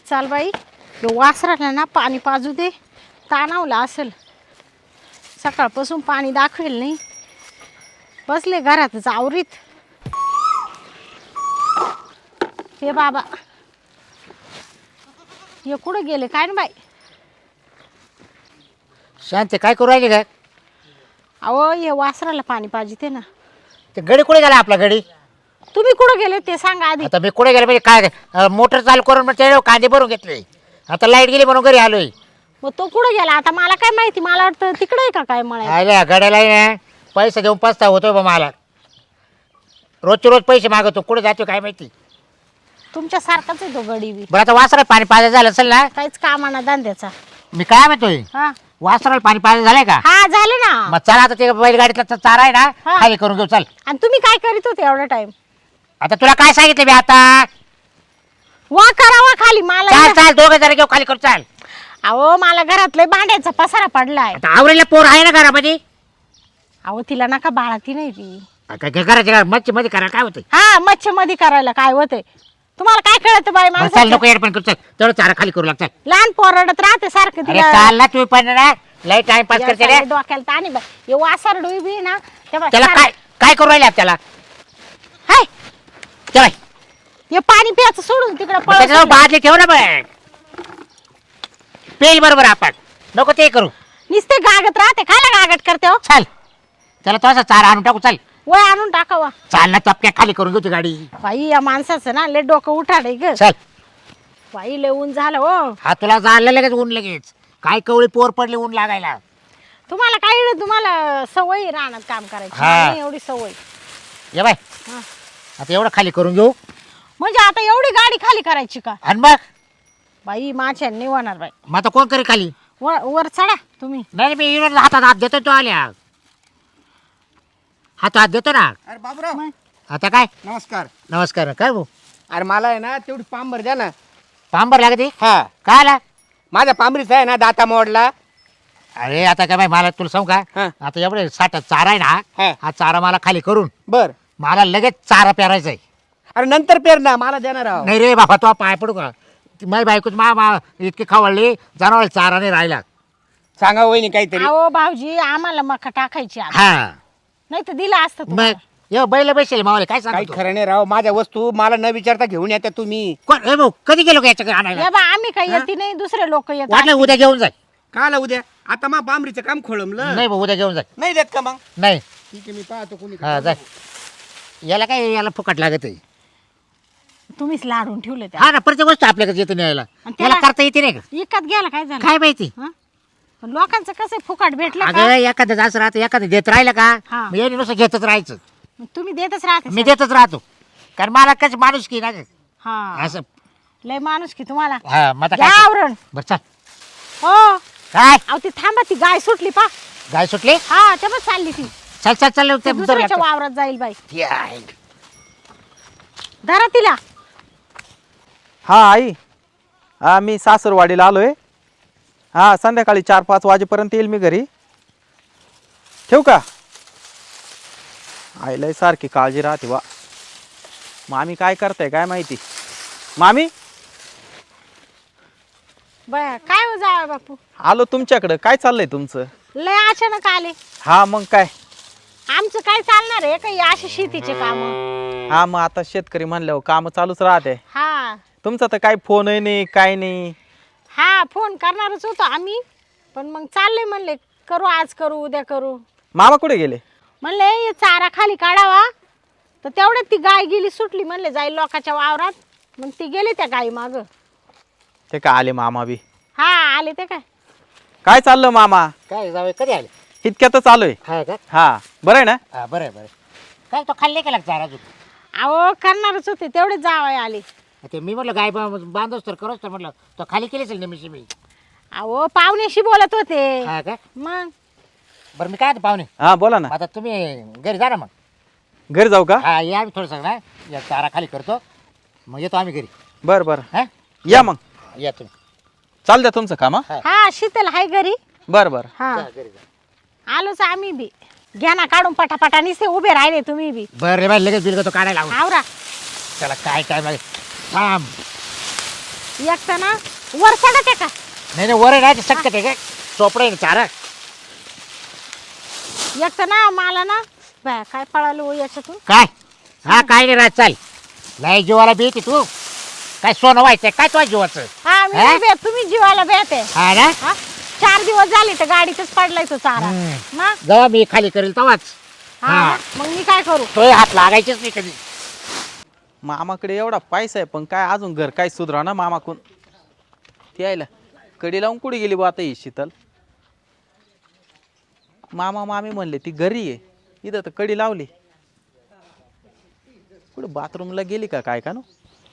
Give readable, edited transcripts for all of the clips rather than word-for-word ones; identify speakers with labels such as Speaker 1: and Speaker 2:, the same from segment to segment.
Speaker 1: चाल बाई वासराला ना पाणी पाजू दे ताणावला असेल सकाळपासून पाणी दाखवेल नाही बसले घरातच आवरीत हे बाबा हे कुठं गेले काय ना बाई
Speaker 2: शांत काय करू राहिले काय
Speaker 1: अहो हे वासराला पाणी पाहिजे ना
Speaker 2: ते गडी कुठे गेला आपला गडी
Speaker 1: तुम्ही कुठं गेले ते सांगा आधी
Speaker 2: आता मी कुठे गेले म्हणजे काय मोटर चालू करून मग ते कांदे भरून घेतले आता लाईट गेली म्हणून घरी आलोय
Speaker 1: मग तो कुठं गेला आता मला काय माहिती मला वाटतं तिकडे आहे का काय मला
Speaker 2: आल्या गड्याला ना पैसे देऊन पस्ता होतोय बा मला रोजचे रोज पैसे मागवतो कुठे जातो काय माहिती
Speaker 1: तुमच्या सारखाच आहे तो गडी बी
Speaker 2: बरं आता वासरा पाणी पाजा झालं असेल ना
Speaker 1: काहीच कामाना धंद्याचा
Speaker 2: मी काय म्हणतोय
Speaker 1: हा
Speaker 2: वासराला पाणी पाजा झालंय का
Speaker 1: हा झालं ना
Speaker 2: मग चला आता ते बैलगाडीतला चारा आहे ना
Speaker 1: हा.
Speaker 2: खाली करून घेऊ चल
Speaker 1: आणि तुम्ही काय करीत होते एवढा टाइम
Speaker 2: आता तुला काय सांगितलं मी आता
Speaker 1: वा करावा खाली मला
Speaker 2: चाल चाल दोघं जरा घेऊ खाली करू चाल
Speaker 1: अहो मला घरातलं भांड्याचा पसारा पडलाय
Speaker 2: आता आवरेला पोर आहे ना घरामध्ये
Speaker 1: अहो तिला नका बाळाती नाही ती
Speaker 2: काय घराच्या मच्छी मध्ये करा काय होतं
Speaker 1: हा मच्छी मध्ये करायला काय होते तुम्हाला काय कळत बाई
Speaker 2: चाल
Speaker 1: माणसाचं?
Speaker 2: नको एअरपण करू चल तेवढं चारा खाली करू लाग चल
Speaker 1: लहान पोरडत राहते सारखं
Speaker 2: अरे
Speaker 1: तिला
Speaker 2: चाल ना तुम्ही पण ना लय टाइम पास करते रे
Speaker 1: या डोक्याला ताणी बाई हे वासर डोई ना तेव्हा
Speaker 2: त्याला काय काय करू राहिले त्याला
Speaker 1: हाय
Speaker 2: चल
Speaker 1: हे पाणी प्यायचं सोडून तिकडे
Speaker 2: त्याच्याजवळ बादली ठेव ना बघ पेल बरोबर आपण नको ते करू
Speaker 1: नुसते गागत राहते खायला गागट करते हो
Speaker 2: चल त्याला थोडासा चारा आणून टाकू चल
Speaker 1: वय आणून टाकावा
Speaker 2: चाल ना चपक्या खाली करून घेऊ ती गाडी
Speaker 1: बाई या माणसाचं ना लय डोकं उठाडे ग
Speaker 2: चल
Speaker 1: बाई लय ऊन झालं हो
Speaker 2: हा तुला जाणलं लगेच ऊन लगेच काय कवळी पोर पडली ऊन लागायला
Speaker 1: तुम्हाला काय तुम्हाला सवय राहणार काम करायची
Speaker 2: हा.
Speaker 1: मला नाही एवढी सवय
Speaker 2: ये बाय
Speaker 1: हा.
Speaker 2: आता एवढं खाली करून घेऊ
Speaker 1: म्हणजे आता एवढी गाडी खाली करायची का
Speaker 2: आणि मग
Speaker 1: बाई माझ्या नाही होणार बाई
Speaker 2: मग आता कोण करे खाली
Speaker 1: वर चढा तुम्ही
Speaker 2: नाही मी येऊन हातात हात देतो तो आल्या हात देतो ना
Speaker 3: अरे बाबूराव
Speaker 1: मग.
Speaker 3: आता
Speaker 2: आता काय
Speaker 3: नमस्कार
Speaker 2: नमस्कार काय भाऊ
Speaker 3: अरे मला आहे ना तेवढी पांबर द्या ना
Speaker 2: पांबर लागते
Speaker 3: हा
Speaker 2: काय आला
Speaker 3: माझ्या पांबरीचा आहे ना दाता मोडला
Speaker 2: अरे आता काय बाई मला तुला सांगू का
Speaker 3: हा.
Speaker 2: आता एवढे साठ चारा आहे
Speaker 3: हा.
Speaker 2: ना हा चारा मला खाली करून
Speaker 3: बर
Speaker 2: मला लगेच चारा पेरायचा आहे
Speaker 3: अरे नंतर पेर ना मला देणार आहो
Speaker 2: नाही रे बाबा तो पाय पडू का माझी बायकोच मा इतके खवळले जनावर चारा नाही राहिला
Speaker 3: सांगा वहिनी काहीतरी
Speaker 1: अहो भाऊजी आम्हाला मका टाकायची आता.
Speaker 2: हा
Speaker 1: नाही तर दिला असतं
Speaker 2: मग
Speaker 1: तुम्हाला.
Speaker 2: ये बैल बसेल मावले काय
Speaker 3: काही
Speaker 2: सांगतो
Speaker 3: खरं नाही राव माझ्या वस्तू मला न विचारता घेऊन येता तुम्ही
Speaker 2: कोण ए भाऊ कधी गेलो का याच्याकडे आणायला
Speaker 1: या बा आम्ही काही येते नाही दुसरे लोक येतात
Speaker 2: वाटलं उद्या घेऊन जाय
Speaker 3: काला उद्या आता मा पांबरीचं काम खोळंबलं
Speaker 2: नाही भाऊ उद्या घेऊन जाय
Speaker 3: नाही देत का मग
Speaker 2: नाही
Speaker 3: ठीक आहे मी पाहतो कोणी
Speaker 2: हा जाय याला काय याला फुकट लागत आहे
Speaker 1: तुम्हीच लाडून ठेवले त्या
Speaker 2: हा ना प्रत्येक गोष्ट आपल्याकडे येते न्यायला
Speaker 1: आणि
Speaker 2: त्याला
Speaker 1: त्याला-
Speaker 2: करता येते नाही का
Speaker 1: इकत गेला काय झालं
Speaker 2: काय माहिती
Speaker 1: हं? पण लोकांचं कसं फुकट भेटलं
Speaker 2: अगं
Speaker 1: का
Speaker 2: एखादं असं राहतं एखादं देत राहिलं का
Speaker 1: हा.
Speaker 2: मी याने नुसतं घेतच राहायचं
Speaker 1: मग तुम्ही देतच राहते
Speaker 2: मी देतच राहतो कारण मला कशी माणूस की ना ग.
Speaker 1: हा
Speaker 2: असं
Speaker 1: लय माणूस की तुम्हाला
Speaker 2: हा मग आता
Speaker 1: घ्या
Speaker 2: काय
Speaker 1: आवरण
Speaker 2: बरं चल
Speaker 1: हो
Speaker 2: काय
Speaker 1: अहो ती थांबा ती गाय सुटली पा
Speaker 2: गाय सुटली
Speaker 1: हा तेव्हा चालली ती
Speaker 2: चल चल चल
Speaker 1: ती दुसऱ्याच्या वावरात जाईल बाई
Speaker 2: ते
Speaker 1: धरा तिला
Speaker 4: हा आई हा मी सासरवाडीला आलोय हा संध्याकाळी 4-5 वाजेपर्यंत येईल मी घरी ठेवू का आईलाही सारखी काळजी राहते वा मामी काय करताय काय माहिती मामी
Speaker 1: बया काय हो जावा बापू
Speaker 4: आलो तुमच्याकडं काय चाललंय तुमचं
Speaker 1: लय अचानक आले
Speaker 4: हा मग काय
Speaker 1: आमचं काय चालणार आहे काही अशी शेतीचे काम
Speaker 4: हा मग आता शेतकरी म्हणल्यावर काम चालूच राहते
Speaker 1: हा
Speaker 4: तुमचा तर काही फोनही नाही काय नाही
Speaker 1: हा फोन करणारच होतो आम्ही पण मग चालले म्हणले करू आज करू उद्या करू
Speaker 4: मामा कुठे गेले
Speaker 1: म्हणले हे चारा खाली काढावा तर तेवढ्यात ती गाय गेली सुटली म्हणले जाईल लोकांच्या वावरात मग ती गेली त्या गाई माग
Speaker 4: ते काय आले मामा बी
Speaker 1: हा आले ते काय
Speaker 4: काय चाललं मामा
Speaker 2: काय जावे कधी आले
Speaker 4: इतक्यातच आलोय
Speaker 2: हा का
Speaker 4: हा बरं आहे ना
Speaker 2: हा बरं आहे, बरं आहे. काय तो खाल्ले का लागता अजून
Speaker 1: अहो करणारच होते तेवढेच जावं आले
Speaker 2: ते मी म्हटलं गाय बांधोस तर करोस तर म्हटलं तो खाली केलीच नेहमीशी मी
Speaker 1: अहो पाहुण्याशी बोलत होते
Speaker 2: हा का
Speaker 1: मग
Speaker 2: बरं मी काय आता पाहुणे
Speaker 4: हा बोला ना
Speaker 2: आता तुम्ही घरी जा ना मग
Speaker 4: घरी जाऊ का
Speaker 2: हा या आम्ही थोडंसं ना या चारा खाली करतो मग येतो आम्ही घरी
Speaker 4: बरं बरं
Speaker 2: हा
Speaker 4: या मग
Speaker 2: या तुम्ही
Speaker 4: चाल द्या तुमचं काम हा
Speaker 1: हा शीतल हाय घरी
Speaker 4: बरं बरं
Speaker 1: हा
Speaker 2: जा घरी जा
Speaker 1: आलोच आम्ही बी घ्या ना काढून पटापटा निसे उभे राहिले तुम्ही बी
Speaker 2: बरं रे बाई लगेच बिल तो काढायला लावून
Speaker 1: आवरा
Speaker 2: त्याला काय काय माहिती थांब
Speaker 1: एक तर ना वर चढत आहे का?
Speaker 2: नाही नाही, वर नाही शक्य आहे काय चोपडा आहे ना चारा.
Speaker 1: एक तर ना मला ना बाय काय पळालो याच्यातून.
Speaker 2: काय हा काय नाही राहत चाल. लय जीवाला भीती तू. काय सोनं व्हायचंय काय तुझ्या जीवाचं?
Speaker 1: हा मी
Speaker 2: हा?
Speaker 1: नाही भेट, तुम्ही जीवाला भेटे.
Speaker 2: हा ना.
Speaker 1: हा 4 दिवस झाले तर गाडीतच पडलाय तो चारा. ना
Speaker 2: जेव्हा मी खाली करेल तेव्हाच
Speaker 1: हा मग मी काय करू?
Speaker 2: तो हात लागायचेच नाही कधी.
Speaker 4: मामाकडे एवढा पैसा आहे पण काय अजून घर काय सुधरा ना मामाकून. ती यायला कडी लावून कुठे गेली बा आता ही शीतल. मामा मामी म्हणले ती घरी आहे, इथं तर कडी लावली. कुठे बाथरूमला गेली का काय का नो.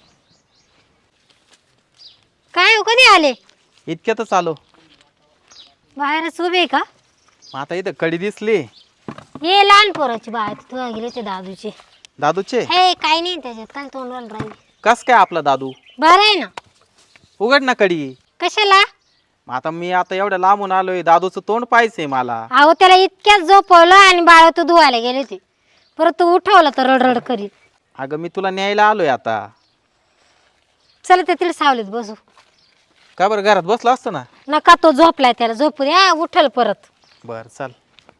Speaker 5: काय हो कधी आले?
Speaker 4: इतक्यातच आलो.
Speaker 5: बाहेरच उभे आहे का?
Speaker 4: मग आता इथं कडी दिसली.
Speaker 5: ये लहान पोराची बाय तुला गेले ते दादूचे.
Speaker 4: दादूचे
Speaker 5: हे काय नाही त्याच्यात काय तोंडवाल राहील.
Speaker 4: कस काय आपला दादू.
Speaker 5: बरं आहे ना.
Speaker 4: उघड ना कडी.
Speaker 5: कशाला?
Speaker 4: मग आता मी आता एवढ्या लांबून आलोय, दादूचं तोंड पाहायचंय मला.
Speaker 5: अहो त्याला इतक्यात झोपवलं आणि बाळ तू धुवायला गेले ते. परत तू उठवलं तर रडरड करीत.
Speaker 4: अगं मी तुला न्यायला आलोय आता.
Speaker 5: चला ते तिला सावलीत बसू.
Speaker 4: का बरं घरात बसला असतो ना.
Speaker 5: नका तो झोपलाय त्याला झोपू द्या उठल परत.
Speaker 4: बर चल.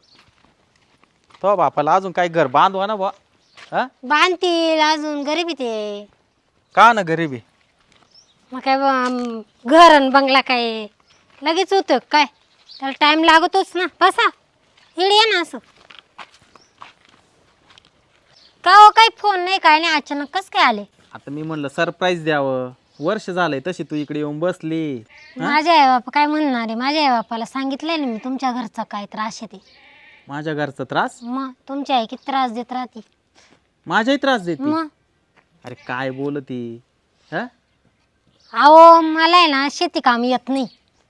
Speaker 4: तो बापाला अजून काही घर बांधवा ना बा. हा
Speaker 5: बांधतील अजून गरीबी ते.
Speaker 4: का ना गरीबी.
Speaker 5: मग काय घर आणि बंगला काय लगेच होतं काय? त्याला टाइम लागतोच ना. बसा इकडे ये ना असं. का हो काही फोन नाही काय नाही अचानक कस काय आले?
Speaker 4: आता मी म्हणलं सरप्राईज द्यावं. वर्ष झालंय तशी तू इकडे येऊन बसली.
Speaker 5: माझ्या आई बापा काय म्हणणार आहे? माझ्या आई बापाला सांगितलंय ना मी तुमच्या घरचा काय त्रास आहे ते.
Speaker 4: माझ्या घरचा त्रास.
Speaker 5: मग तुमची आई किती त्रास देत राहते.
Speaker 4: माझ्याही त्रास देते.
Speaker 5: मग
Speaker 4: अरे काय बोलती. हा
Speaker 5: अहो मला आहे ना शेती काम येत नाही.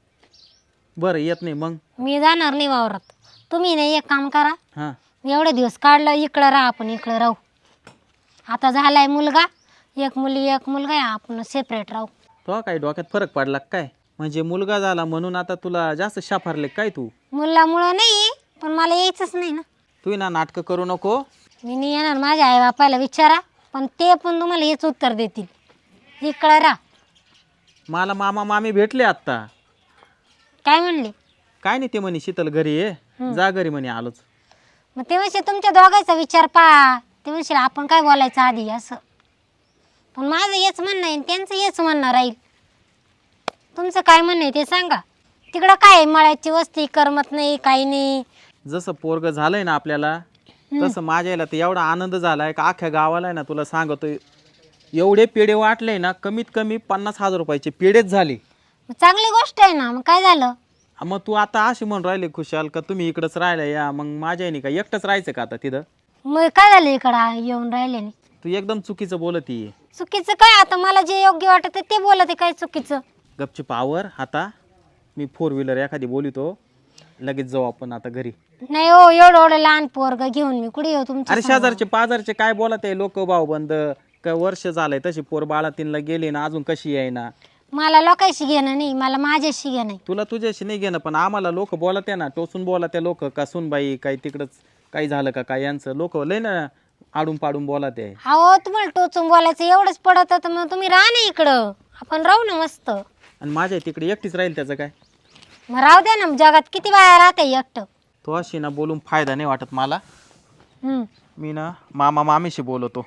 Speaker 4: बरं येत नाही मग.
Speaker 5: मी जाणार नाही वावरात. तुम्ही नाही एक काम करा.
Speaker 4: हा
Speaker 5: एवढे दिवस काढलं इकडं राहा आपण इकडं राहू. आता झालाय मुलगा एक मुली एक मुलगा आहे आपण सेपरेट राहू.
Speaker 4: तो काय डोक्यात फरक पडला का काय? म्हणजे मुलगा झाला म्हणून आता तुला जास्त शाफारले काय तू.
Speaker 5: मुलामुळं नाही पण मला यायचंच नाही ना.
Speaker 4: तू ना नाटकं करू नको.
Speaker 5: मी नाही येणार. माझ्या आई बापाला विचारा पण ते पण तुम्हाला हेच उत्तर देतील. इकडं राहा.
Speaker 4: मला मामा मामी भेटले आत्ता.
Speaker 5: काय म्हणले?
Speaker 4: काय नाही ते म्हणे शीतल घरी आहे जा घरी म्हणे आलोच.
Speaker 5: मग ते म्हणजे तुमच्या दोघांचा विचार पहा. ते म्हणजे आपण काय बोलायचं आधी असं. पण माझं हेच म्हणणं आहे त्यांचं हेच म्हणणं राहील. तुमचं काय म्हणणं आहे ते सांगा. तिकडं काय आहे, मळ्याची वस्ती करमत नाही काही नाही.
Speaker 4: जसं पोरग झालंय ना आपल्याला तसं माझ्या याला तर एवढा आनंद झालाय का अख्ख्या गावाला आहे ना तुला सांगतोय. एवढे पेढे वाटले ना कमीत कमी 50,000 रुपयाचे पेढेच झाले.
Speaker 5: मग चांगली गोष्ट आहे ना. मग काय झालं?
Speaker 4: मग तू आता अशी म्हणून राहिले खुशाल का तुम्ही इकडंच राहिला या. मग माझ्या याने का एकटंच राहायचं का आता तिथं.
Speaker 5: मग काय झालं इकडं येऊन राहिले नाही.
Speaker 4: तू एकदम चुकीचं बोलती.
Speaker 5: चुकीचं काय? आता मला जे योग्य वाटत ते बोलत आहे. काय चुकीचं?
Speaker 4: गपचूप आवर आता. मी 4 व्हीलर एखादी बोलितो लगेच जाऊ आपण आता घरी.
Speaker 5: नाही हो एवढं लहान पोरग घेऊन मी कुठे येऊ तुमच्या
Speaker 4: अरे शेजारचे पाजारचे काय बोलत आहे लोक भाऊ बंद. काय वर्ष झालंय तशी पोर बाळा तीनला गेली ना अजून कशी आहे ना.
Speaker 5: मला लोकांशी घेणं नाही. मला माझ्याशी घेणं नाही.
Speaker 4: तुला तुझ्याशी नाही घेणं पण आम्हाला लोक बोलत आहे ना टोचून बोलत आहे लोक का सुनबाई काही तिकडंच काही झालं का काय यांचं लोक लय ना आडून पाडून बोलत आहे.
Speaker 5: अहो तुम्हाला टोचून बोलायचं एवढंच पडत तर मग तुम्ही राहा ना इकडं. आपण राहू ना मस्त.
Speaker 4: आणि माझ्या तिकडे एकटीच राहील त्याचं काय.
Speaker 5: मग राहू द्या ना. जगात किती बाया राहते एकटं.
Speaker 4: तो अशी ना बोलून फायदा नाही वाटत मला.
Speaker 5: हम्म.
Speaker 4: मी ना मामा मामीशी बोलवतो.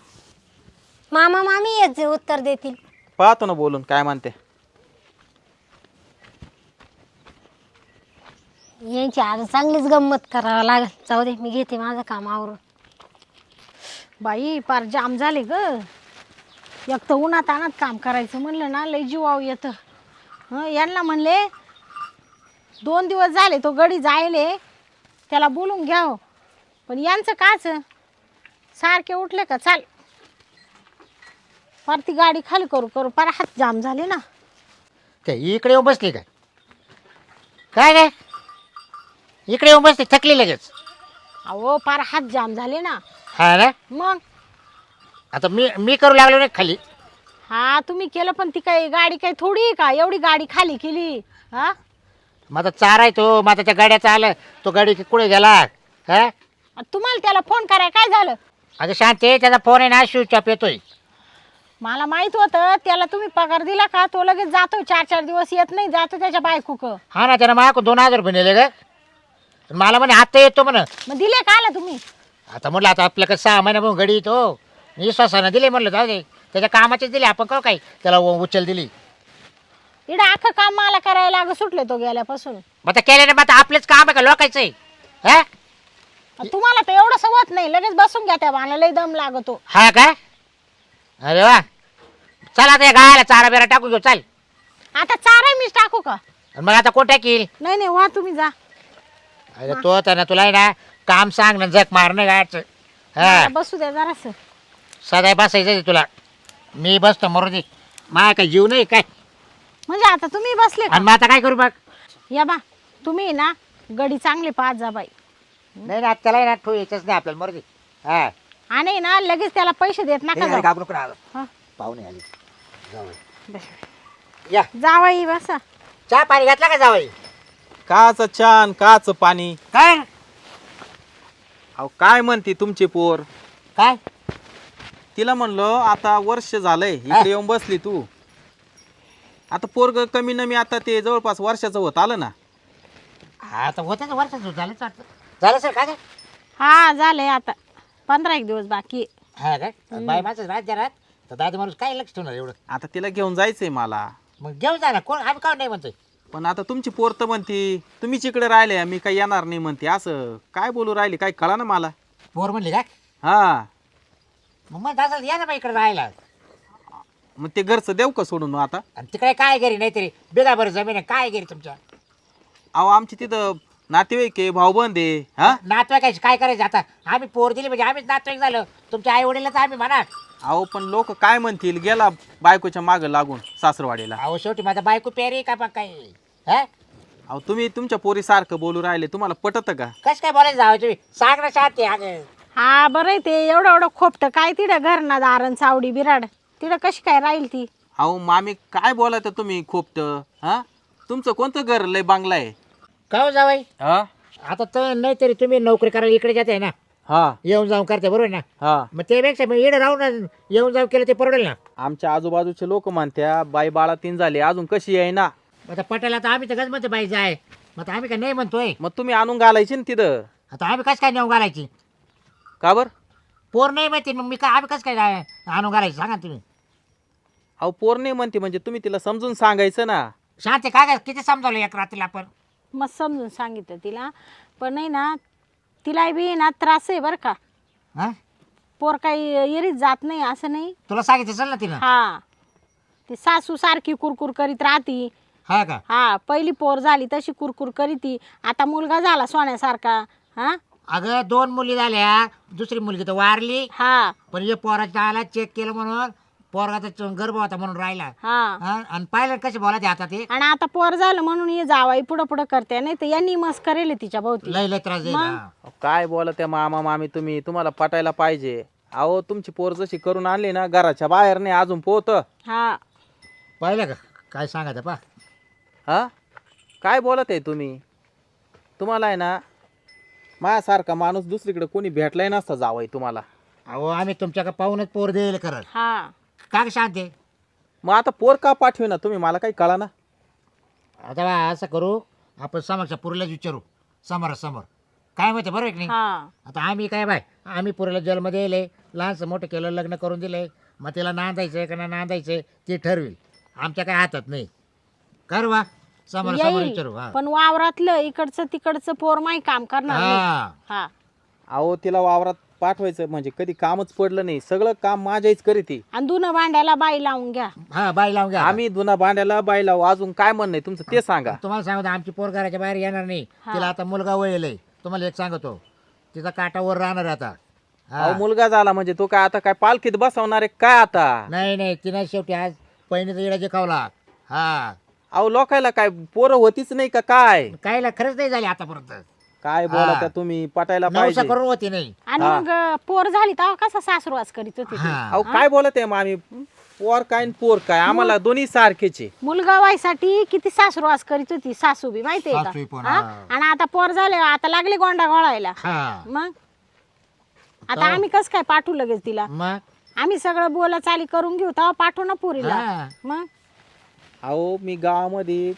Speaker 5: मामा मामी याचे उत्तर देतील.
Speaker 4: पाहतो ना बोलून काय म्हणते.
Speaker 5: यांची आज चांगलीच गंमत करावं लागेल. जाऊ दे मी घेते माझं काम आवरून.
Speaker 1: बाई पार जाम झाले ग. एक तर उन्हात आणत काम करायचं म्हणलं ना लय जीवाव येतं. यांना म्हणले 2 दिवस झाले तो गडी जायले त्याला बोलून घ्याव पण यांचं काच सारखे उठले का चाल फार ती गाडी खाली करू करू फार हात जाम झाले ना.
Speaker 2: काय इकडे येऊन बसली काय काय काय इकडे येऊन बसली थकली लगेच.
Speaker 1: अहो फार हात जाम झाले ना.
Speaker 2: हा ना.
Speaker 1: मग
Speaker 2: आता मी करू लागलो ना खाली.
Speaker 1: हा तुम्ही केलं पण ती काही गाडी काही थोडी आहे का एवढी गाडी खाली केली. हा
Speaker 2: माझा चारा आहे तो माझा त्या गाड्याचा आला तो गाडी कुठे गेला. हा
Speaker 1: तुम्हाला त्याला फोन कराय काय झालं?
Speaker 2: अगं शांती त्याचा फोन आहे ना स्विच ऑफ येतोय.
Speaker 1: मला माहित होतं त्याला तुम्ही पगार दिला का तो लगेच जातो 4-4 दिवस येत नाही जातो त्याच्या बायकोक
Speaker 2: हा ना त्यानं माझ्याकडून 2000 रुपये नेले ग मला म्हणे आता येतो म्हण
Speaker 1: मग दिले का आला तुम्ही
Speaker 2: आता म्हटलं आता आपल्याकडे 6 महिन्यापासून गडी येतो विश्वासानं दिले म्हटलं जाऊ दे त्याच्या कामाचेच दिले आपण का काय त्याला उचल दिली
Speaker 1: इकडे अख्खं काम मला करायला लाग सुटले तो गेल्यापासून
Speaker 2: मग आता केल्याने मग आता आपलेच काम आहे का लोकायचं आहे हा
Speaker 1: तुम्हाला तर एवढं सवत नाही लगेच बसून घ्या त्या मला लय दम लागतो
Speaker 2: हा का अरे वा चल आता या गायला चारा बिरा टाकून घेऊ चाल
Speaker 1: आता चारा मीच टाकू का
Speaker 2: आणि मग आता कोण टाकील
Speaker 1: नाही नाही वा तुम्ही जा
Speaker 2: अरे तो तर ना तुला आहे ना काम सांग ना जग मारणं गायचं हा
Speaker 1: मला बसू द्या जरास
Speaker 2: सदाय बसायचं तुला मी बसतो मरू दे माया काय जीव नाही काय
Speaker 1: म्हणजे आता तुम्ही बसले
Speaker 2: आणि
Speaker 1: का
Speaker 2: मग आता काय करू बघ
Speaker 1: या बा तुम्ही ना गडी चांगली पाहत जा बाई
Speaker 2: नाही ना त्याला ना ठेवू यायचंच नाही आपल्याला मरू दे हा
Speaker 1: आणि ना लगेच त्याला पैसे देत नका जाऊ.
Speaker 2: घाबरू नका
Speaker 1: हा.
Speaker 2: पाहुणे आली जाऊ या
Speaker 1: जावाई बसा
Speaker 2: चहा पाणी घातला का जावई
Speaker 4: काच छान काच पाणी
Speaker 2: काय
Speaker 4: अहो काय म्हणते तुमची पोर
Speaker 2: काय
Speaker 4: तिला म्हणलं आता वर्ष झालंय इकडे येऊन बसली तू आता पोरग कमी नमी आता ते जवळपास वर्षाचं होत आलं ना
Speaker 2: हा तर होतं वर्षाचं झालंच वाटतं झालं सर काय
Speaker 1: हा झालंय आता 15 दिवस बाकी आहे.
Speaker 2: हा काय बाय माझं राहत जरा तर दादा माणूस काय लक्ष ठेवणार एवढं
Speaker 4: आता तिला घेऊन जायचंय मला
Speaker 2: मग घेऊन जा ना कोण आम्ही का नाही म्हणतोय
Speaker 4: पण आता तुमची पोर तर म्हणते तुम्हीच इकडे राहिले मी काही येणार नाही म्हणते असं काय बोलू राहिले काय कळा ना मला
Speaker 2: पोर म्हणली का
Speaker 4: हा
Speaker 2: मग मग दादा या ना बाई इकडे राहायला
Speaker 4: मग ते घरचं देऊ का सोडून मग आता
Speaker 2: आणि तिकडे काय घरी नाही तरी बेगा बरं जमीन आहे काय घरी तुमच्या
Speaker 4: अहो आमची तिथं नातेवाईक आहे भाऊबंद आहे हा
Speaker 2: नातवाईकाची काय करायचं आता आम्ही पोर दिली म्हणजे आम्हीच नातवाईक झालो तुमच्या आई वडीलच आम्ही म्हणा
Speaker 4: अहो पण लोक काय म्हणतील गेला बायकोच्या मागं लागून सासरवाडीला
Speaker 2: अहो शेवटी माझा बायको पेरी का मग काय हा
Speaker 4: अहो तुम्ही तुमच्या पोरीसारखं बोलू राहिले तुम्हाला पटत का
Speaker 2: कसं काय बोलायचं जावं तुम्ही सांग ना शांती अगं
Speaker 1: हा बरं आहे ते एवढं एवढं खोपटं काय तिडं घर ना दारण चावडी बिराड तिडं कशी काय राहील ती
Speaker 4: अहो मामी काय बोलायचं तुम्ही खोपट हा तुमचं कोणतं घर लय बांगला आहे
Speaker 2: का हो जावाई
Speaker 4: हा
Speaker 2: आता तर नाही तरी तुम्ही नोकरी करायला इकडे जाते ना
Speaker 4: हा
Speaker 2: येऊन जाऊन करते बरोबर ना
Speaker 4: हा
Speaker 2: मग त्यापेक्षा मग इकडे राहून येऊन जाऊन केलं ते परवडेल ना
Speaker 4: आमच्या आजूबाजूचे लोक म्हणत्या बाई बाळा 3 झाले अजून कशी आहे ना
Speaker 2: मग आता पटेला तर आम्ही तर गज म्हणतो बाई जाय मग आता आम्ही काय नाही म्हणतोय
Speaker 4: मग तुम्ही आणून घालायची ना तिथं
Speaker 2: आता आम्ही कसं काय नेऊन घालायची
Speaker 4: का बर
Speaker 2: पोर नाही माहिती मग मी काय आम्ही कसं काय आणून घालायची सांगा ना तुम्ही
Speaker 4: अहो पोर नाही म्हणते म्हणजे तुम्ही तिला समजून सांगायचं ना
Speaker 2: शांती काय काय किती समजावलं एक रात्रीला आपण
Speaker 1: मग समजून सांगितलं तिला पण नाही ना तिला बी ना त्रास आहे बरं का
Speaker 2: हा
Speaker 1: पोर काही येरीत जात नाही असं नाही
Speaker 2: तुला सांगितलं चल ना तिनं
Speaker 1: हा ती सासू सारखी कुरकुर करीत राहती
Speaker 2: हा का
Speaker 1: हा पहिली पोर झाली तशी कुरकुर करीती आता मुलगा झाला सोन्यासारखा हा
Speaker 2: अगं 2 मुली झाल्या दुसरी मुलगी तर वारली
Speaker 1: हा
Speaker 2: पण हे पोराच्या आला चेक केलं म्हणून पोरगाचा गर्भ होता म्हणून राहिला
Speaker 1: हा
Speaker 2: हा आणि पाहिलं कसे बोलायचे आता ते
Speaker 1: आणि आता पोर झालं म्हणून ये जावाई पुढं पुढं करते नाही तर यांनी मस्त करेल तिच्या भोवती
Speaker 2: लय लय त्रास देईल हा.
Speaker 4: अहो, काय बोला त्या मामा मामी तुम्ही तुम्हाला पटायला पाहिजे अहो तुमची पोर जशी करून आणली ना घराच्या बाहेर नाही अजून पोहत
Speaker 1: हा
Speaker 2: पाहिलं का काय सांगायचं पा
Speaker 4: हा काय बोलत आहे तुम्ही तुम्हाला आहे ना माझ्यासारखा माणूस दुसरीकडे कोणी भेटलाय नसता जावंय तुम्हाला
Speaker 2: अहो आम्ही तुमच्याकडे पाहूनच पोर देईल करत
Speaker 1: हा
Speaker 2: का ग शांती
Speaker 4: मग आता पोर का पाठवे ना तुम्ही मला काही कळा ना
Speaker 2: आता बा असं करू आपण समोरच्या पुरीलाच विचारू समोरासमोर काय माहिती बरोबर की नाही
Speaker 1: हा
Speaker 2: आता आम्ही काय बाय आम्ही पुरीला जेलमध्ये येले लहानसं मोठं केलं लग्न करून दिले मग तिला नांदायचं का नाही नांदायचं ते ठरवेल आमच्या काय हातात नाही कर वा समोरासमोर विचारू
Speaker 1: येईल
Speaker 2: हा
Speaker 1: पण वावरातलं इकडचं तिकडचं पोर माही काम करणार नाही.
Speaker 2: हा
Speaker 1: हा
Speaker 4: अहो तिला वावरात पाठवायचं म्हणजे कधी कामच पडलं नाही सगळं काम माझ्याच करीती
Speaker 1: आणि धुणं भांड्याला बाई लावून घ्या
Speaker 2: हा बाई लावून घ्या
Speaker 4: आम्ही धुना भांड्याला बाई लावू अजून काय म्हणणं आहे तुमचं ते सांगा
Speaker 2: तुम्हाला सांगतो आमची पोर घराच्या बाहेर येणार नाही तिला आता मुलगा वळेल तुम्हाला एक सांगतो तिचा काटावर राहणार आता हा.
Speaker 4: अहो मुलगा झाला म्हणजे तो काय आता काय पालखीत बसवणार आहे काय आता
Speaker 2: नाही नाही तिने शेवटी आज पहिणीचा इडा जिकावला हा
Speaker 4: अहो लोकायला काय पोरं होतीच नाही का काय
Speaker 2: कायला खरंच नाही झाली आतापर्यंत
Speaker 4: काय बोला त्या तुम्ही पटायला
Speaker 2: नवसा
Speaker 4: पाहिजे
Speaker 2: करून होती नाही
Speaker 1: आणि मग पोर झाली तेव्हा कसा सासरवास करीत होती ती?
Speaker 2: हा
Speaker 4: अहो काय बोलत आहे मामी पोर काय आणि पोर काय आम्हाला दोन्ही सारखेचे
Speaker 1: मुलगा व्हायसाठी किती सासरवास करीत होती सासू बी माहितीये
Speaker 2: सासूही
Speaker 1: का
Speaker 2: पण,
Speaker 1: हा?
Speaker 2: हा.
Speaker 1: आणि आता पोर झाले आता लागले गोंडा गोळायला
Speaker 2: हा
Speaker 1: मग आता आम्ही कस काय पाठवू लगेच तिला
Speaker 2: मग
Speaker 1: आम्ही सगळं बोला चाली करून घेऊ तेव्हा पाठवू ना पुरीला.
Speaker 2: हा.
Speaker 1: मग
Speaker 4: अहो मी गावामध्ये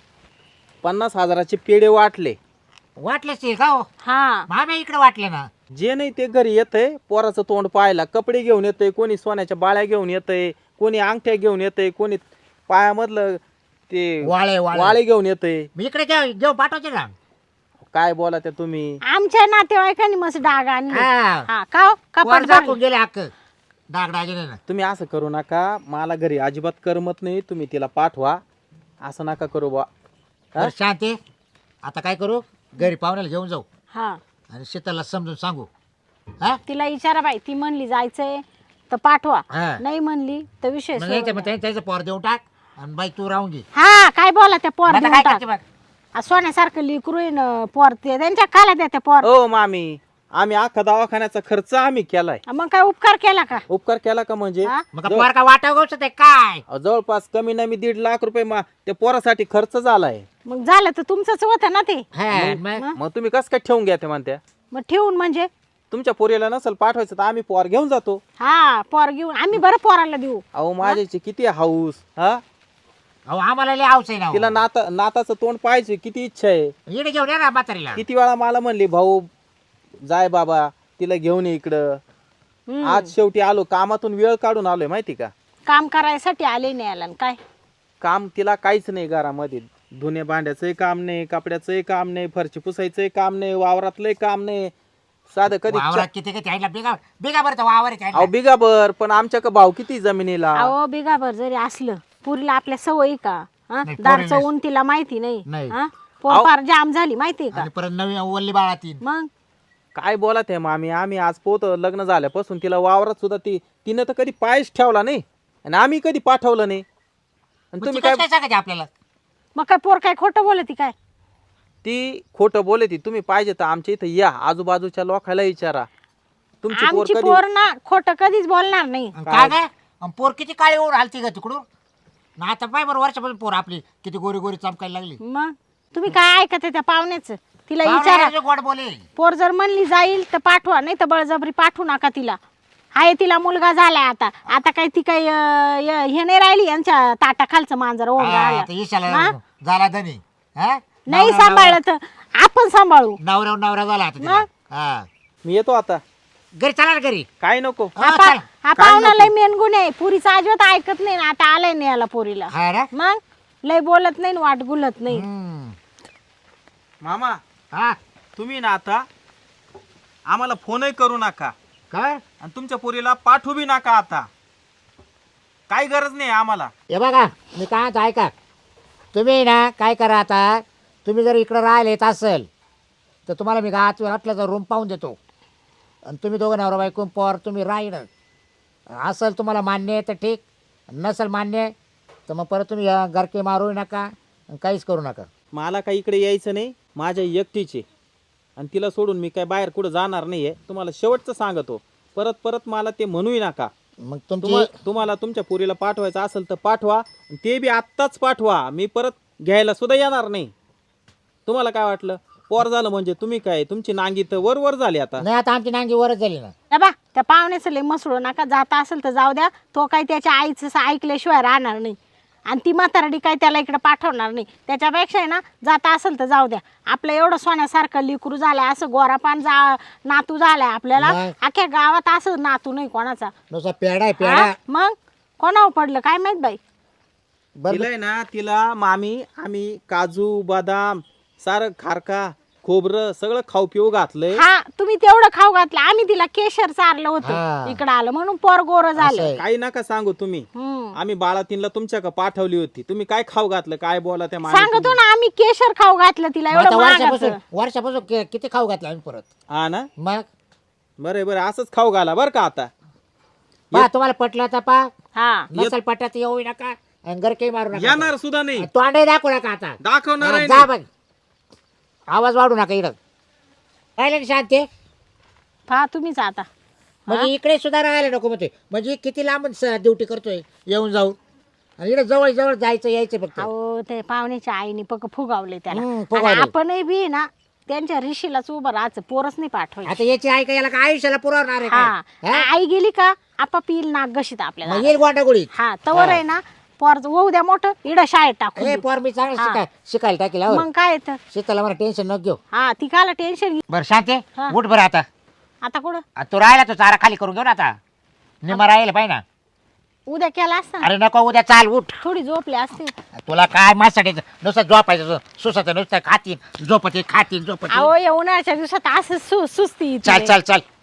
Speaker 4: 50,000चे पेढे वाटले.
Speaker 2: वाटलेच ते का हो
Speaker 1: हा
Speaker 2: मामे इकडे वाटले ना.
Speaker 4: जे नाही ते घरी येतंय पोराचं तोंड पाहायला. कपडे घेऊन येतंय, कोणी सोन्याच्या बाळ्या घेऊन येतंय, कोणी अंगठ्या घेऊन येतंय, कोणी पायामधलं ते
Speaker 2: वाळे
Speaker 4: वाळे घेऊन येतंय.
Speaker 2: मी इकडे घेऊ पाठवायचे ना.
Speaker 4: काय बोला त्या तुम्ही.
Speaker 1: आमच्या नातेवाईकांनी मस्त डाग आणले.
Speaker 2: हा.
Speaker 1: हा का हो? कपाट
Speaker 2: वर
Speaker 1: भरलं.
Speaker 2: झाकून गेले हक्क डागडागिने ना.
Speaker 4: तुम्ही असं करू नका. मला घरी अजिबात करमत नाही. तुम्ही तिला पाठवा. असं नका करू बा.
Speaker 2: बरं, शांती आता काय करू घरी पाहुण्याला घेऊन जाऊ
Speaker 1: हा
Speaker 2: आणि शीतलला समजून सांगू. हा
Speaker 1: तिला विचारा बाई, ती म्हणली जायचंय तर पाठवा,
Speaker 2: हा.
Speaker 1: नाही म्हणली तर विषय
Speaker 2: मग
Speaker 1: सोडून द्या.
Speaker 2: त्याचं पोर देऊन टाक आणि बाई तू राहून घे.
Speaker 1: हा काय बोला त्या पोर
Speaker 2: आता
Speaker 1: देऊन
Speaker 2: काय
Speaker 1: टाक.
Speaker 2: करते बघ.
Speaker 1: आ, सोन्यासारखं लिकरू आहे ना पोर, ते त्यांच्या खाला द्या त्या पोर.
Speaker 4: ओ मामी, आम्ही अख्खा दवाखान्याचा खर्च आम्ही केलाय.
Speaker 1: मग काय उपकार केला का?
Speaker 4: उपकार केला का म्हणजे
Speaker 1: हा?
Speaker 2: मग पोर का वाटाव गोष्ट ते काय.
Speaker 4: जवळपास कमी नमी 1.5 लाख रुपये त्या पोरासाठी खर्च झालाय.
Speaker 1: मग झालं तर तुमचंच होतं ना ते.
Speaker 2: हा, मग
Speaker 4: मग तुम्ही कसं काय ठेवून घ्या ते म्हणत्या.
Speaker 1: मग ठेवून म्हणजे
Speaker 4: तुमच्या पोरीला नसेल पाठवायचं तर आम्ही पोर घेऊन जातो.
Speaker 1: हा पोर घेऊन आम्ही बरं पोराला देऊ.
Speaker 4: अहो माझ्याची किती हाऊस. हा
Speaker 2: अहो आम्हाला लय हाऊस आहे ना हो.
Speaker 4: तिला नाताचं तोंड पाहायची किती इच्छा आहे.
Speaker 2: इकडे घेऊन या ना म्हातारीला.
Speaker 4: किती वेळा मला म्हणली भाऊ जाय बाबा तिला घेऊन ये इकडं.
Speaker 1: हम्म.
Speaker 4: आज शेवटी आलो, कामातून वेळ काढून आलोय माहिती का.
Speaker 1: काम करायसाठी आले नाही आला न काय.
Speaker 4: काम तिला काहीच नाही घरामध्ये. धुणे भांड्याचंही काम नाही, कपड्याचंही काम नाही, फरची पुसायचंही काम नाही, वावरातलंही काम नाही. साधं कधी
Speaker 2: वावरात किती किती आहे बिगा बिगा बरं वावर आहे
Speaker 4: अहो बिगाभर. पण आमच्या का भाव किती जमिनीला.
Speaker 1: अहो बिगाभर जरी असलं पुरीला आपल्या सवयी का? हा?
Speaker 2: नाही,
Speaker 1: दार
Speaker 2: पोरीला-
Speaker 1: चवून तिला माहिती
Speaker 2: नाही.
Speaker 1: नाही. हा? पोर फार जाम झाली माहितीये का?
Speaker 2: आणि परत नवीन वल्ली बाळा तीन.
Speaker 1: मग
Speaker 4: काय बोलत आहे मामी. आम्ही आज पोत लग्न झाल्यापासून तिला वावरात सुद्धा तिनं तर कधी पायच ठेवला नाही आणि आम्ही कधी पाठवलं नाही. आणि तुम्ही काय
Speaker 2: काय सांगायचे आपल्याला.
Speaker 1: मग काय पोर काय खोटं बोलती काय?
Speaker 4: ती खोटं बोलती. तुम्ही पाहिजे तर आमच्या इथं या, आजूबाजूच्या लोकांना विचारा. तुमची पोर
Speaker 1: आमची
Speaker 4: कधी
Speaker 1: पोर ना खोटं कधीच बोलणार नाही.
Speaker 2: आणि काय काय आणि पोर किती काळी ओढ आलती का तिकडून ना. आता पाय बरं वर्षापासून पोर आपली किती गोरी गोरी चमकायला लागली.
Speaker 1: मग तुम्ही काय ऐकत आहे त्या पाहुण्याचं? तिला विचारा.
Speaker 2: पाहुणे गोड बोले.
Speaker 1: पोर जर म्हणली जाईल तर पाठवा, नाही तर बळजबरी पाठवू नका तिला. हाय तिला मुलगा झालाय आता. आता काय ती काही हे नाही राहिली यांच्या ताटाखालचं मांजर ओढ
Speaker 2: हा, तर ईशाला झाला धनी. हा?
Speaker 1: नाही सांभाळलं तर आपण सांभाळू.
Speaker 2: नवरा झाला आता तिला. हा.
Speaker 4: मी येतो आता.
Speaker 2: घरी चला ना घरी.
Speaker 4: काय नको.
Speaker 2: हा, चला.
Speaker 1: हा पाहुणा लय मेनगुण आहे. पुरीचा अजिबात ऐकत नाही ना. आता आलाय नाही याला पोरीला.
Speaker 2: हा ना?
Speaker 1: मग लय बोलत नाही न वाट गुलत नाही.
Speaker 2: हम्म.
Speaker 4: मामा
Speaker 2: हा
Speaker 4: तुम्ही ना आता आम्हाला फोनही करू नका
Speaker 2: काय
Speaker 4: आणि तुमच्या पोरीला पाठवू बी नका आता. काही गरज नाही आम्हाला.
Speaker 2: हे बघा मी काय म्हणतो ऐका. तुम्ही ना काय करा आता. तुम्ही जर इकडं राहिले येत असेल तर तुम्हाला मी घातल्याचा रूम पाहून देतो आणि तुम्ही दोघं नवरा बायको पोर तुम्ही राहीन. असेल तुम्हाला मान्य आहे तर ठीक, नसेल मान्य तर मग परत तुम्ही गरके मारू नका आणि काहीच करू नका.
Speaker 4: मला काही इकडे यायचं नाही. माझ्या एकटीचे आणि तिला सोडून मी काय बाहेर कुठं जाणार नाही आहे. तुम्हाला शेवटचं सांगतो. परत परत मला ते म्हणूही नका.
Speaker 2: मग तुमची
Speaker 4: तुम्हाला तुमच्या पोरीला पाठवायचं असेल तर पाठवा आणि ते बी आत्ताच पाठवा. मी परत घ्यायला सुद्धा येणार नाही. तुम्हाला काय वाटलं पोर झालं म्हणजे तुम्ही काय तुमची नांगी तर वर झाली आता.
Speaker 2: नाही आता आमची नांगी वरच झाली ना.
Speaker 1: हे बा त्या पाहुण्याचं लय मसळू नका. जाता असेल तर जाऊ द्या. तो काही त्याच्या आईचं ऐकल्याशिवाय राहणार नाही आणि ती म्हातारडी काय त्याला इकडे पाठवणार नाही. त्याच्यापेक्षा आहे ना जाता असेल तर जाऊ द्या. आपलं एवढं सोन्यासारखं लिकरू झालंय, असं गोरापान नातू झालाय आपल्याला.
Speaker 2: नाही.
Speaker 1: अख्ख्या गावात असं नातू नाही कोणाचा.
Speaker 2: नुसता पेडा आहे पेडा.
Speaker 1: हा? मग कोणावर पडलं काय माहित बाई.
Speaker 4: तिला आहे ना तिला मामी आम्ही काजू बदाम सारं खारका खोबरं सगळं खाऊ पिऊ घातलंय.
Speaker 1: हा तुम्ही तेवढं खाऊ घातलं. आम्ही तिला केशर चारलं
Speaker 2: हा.
Speaker 1: होतं इकडं आलं म्हणून पोर गोर झालं.
Speaker 2: आहे.
Speaker 4: काही नका सांगू तुम्ही.
Speaker 1: हम्म.
Speaker 4: आम्ही बाळातीनला तुमच्या का पाठवली होती. तुम्ही काय खाऊ घातलं काय बोला त्या
Speaker 1: सांगतो ना आम्ही केशर खाऊ घातलं तिला.
Speaker 2: मग आता
Speaker 1: एवढं
Speaker 2: वर्षापासून
Speaker 1: महागाचं.
Speaker 2: वर्षापासून किती खाऊ घातला आम्ही परत.
Speaker 4: हा ना.
Speaker 2: मग
Speaker 4: बरं बरं असंच खाऊ घाला बरं का आता.
Speaker 2: पा तुम्हाला पटलं तर पा
Speaker 1: हा
Speaker 2: नसेल पटत येऊ नका आणि गरके मारू नका.
Speaker 4: येणार सुद्धा नाही.
Speaker 2: तोंडही दाखवू नका आता.
Speaker 4: दाखवणार
Speaker 2: हा,
Speaker 4: आहे
Speaker 2: जा
Speaker 4: नाही.
Speaker 2: बघ. आवाज वाढू नका इकडं. राहिले ना शांती.
Speaker 1: पहा तुम्हीच आता.
Speaker 2: म्हणजे इकडे सुद्धा राहायला नको म्हणते. म्हणजे किती लांब ड्युटी करतोय येऊन जाऊन आणि इकडे जवळ जवळ जायचं यायचं फक्त.
Speaker 1: अहो ते पाहुण्याच्या आईने पक फुगावले त्याला.
Speaker 2: हम्म,
Speaker 1: आणि
Speaker 2: फुगावले.
Speaker 1: आपणही बी ना त्यांच्या ऋषीलाच उभं राहायचं, पोरच नाही पाठवायचं.
Speaker 2: आता याची आई का याला का आयुष्याला पुरवणार आहे
Speaker 1: हा
Speaker 2: काय? हा?
Speaker 1: आई गेली का आपाप येईल नाग गशीत आपल्याला.
Speaker 2: मग येईल गोंडागुळीत.
Speaker 1: हा तवर आहे ना पोर होऊ द्या मोठं इडं शाळेत टाकून
Speaker 2: ए
Speaker 1: देऊ.
Speaker 2: पोर मी चांगलं
Speaker 1: हा.
Speaker 2: शिकायला टाकेल हो.
Speaker 1: मग काय तर
Speaker 2: शीतला मला टेन्शन नको घेऊ.
Speaker 1: हा ती काला टेन्शन घे.
Speaker 2: बरं शांते
Speaker 1: हा.
Speaker 2: उठ बरं आता.
Speaker 1: आता कुठं
Speaker 2: तू राहिला तो चारा खाली करून घेऊ ना आता. निमा राहिला पाहिजे ना.
Speaker 1: उद्या केला असता ना.
Speaker 2: अरे नको उद्या चाल उठ.
Speaker 1: थोडी झोपली असते.
Speaker 2: तुला काय माझ्यासाठी नुसतं झोपायचं सुसाचं नुसतं खातीन झोपते खातीन झोपते.
Speaker 1: अहो या उन्हाळ्याच्या दिवसात असं सुस्ती येते.
Speaker 2: चाल चाल चाल